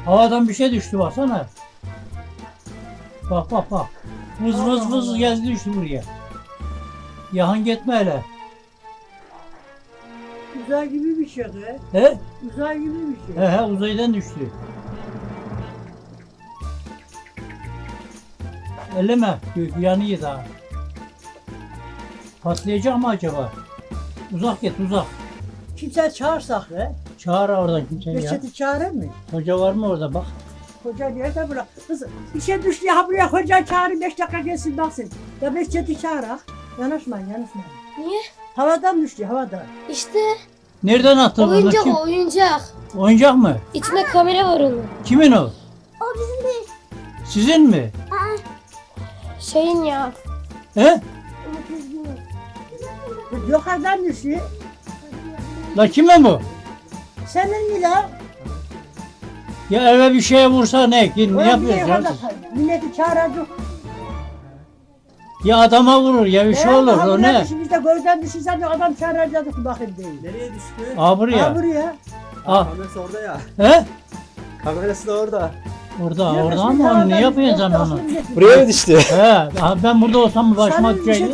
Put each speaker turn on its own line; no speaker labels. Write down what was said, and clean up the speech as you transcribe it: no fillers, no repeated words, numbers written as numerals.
Havadan bir şey düştü baksana. Bak bak bak. Vız vız vız gezdi düştü buraya. Yahan gitme hele.
Uzay gibi bir şey be.
He?
Uzay gibi bir şey.
He he uzaydan düştü. Elleme. Yanıyor daha. Patlayacak mı acaba? Uzak git uzak.
Kimse çağırsak be.
Çağır oradan kimseyi ya.
Reçeti çağırır mı?
Hoca var mı orada bak.
Hoca nerede bırak? Kız bir şey düştü ya buraya hoca çağırın 5 dakika gelsin baksın. Ya Reçeti çağırak. Yanaşmayın yanaşmayın.
Niye?
Havadan düştü havadan.
İşte
Nereden attın bunu?
oyuncak
Kim?
o oyuncak.
Oyuncak mı?
İçinde kamera var onun.
Kimin o?
O bizim değil.
Sizin mi?
Şeyin ya.
He?
Yukarıdan düştü.
La kime bu?
Senin mi la?
Ya eve bir şeye vursa ne? Ne yapıyorsun ya?
Milleti çağıracak.
Ya adama vurur ya bir şey olur o ne?
Biz de gözden düşürsen de adam çağıracaktık bakayım değil.
Nereye düştü?
Aa buraya.
Ha buraya.
Ah.
Kamerası orada ya.
He?
Kamerası da orada.
Orada ama onu ne yapıyorsun sen onu?
Buraya mı düştü?
He. Ben burada olsam başıma
Sana bir şey
düşeydi.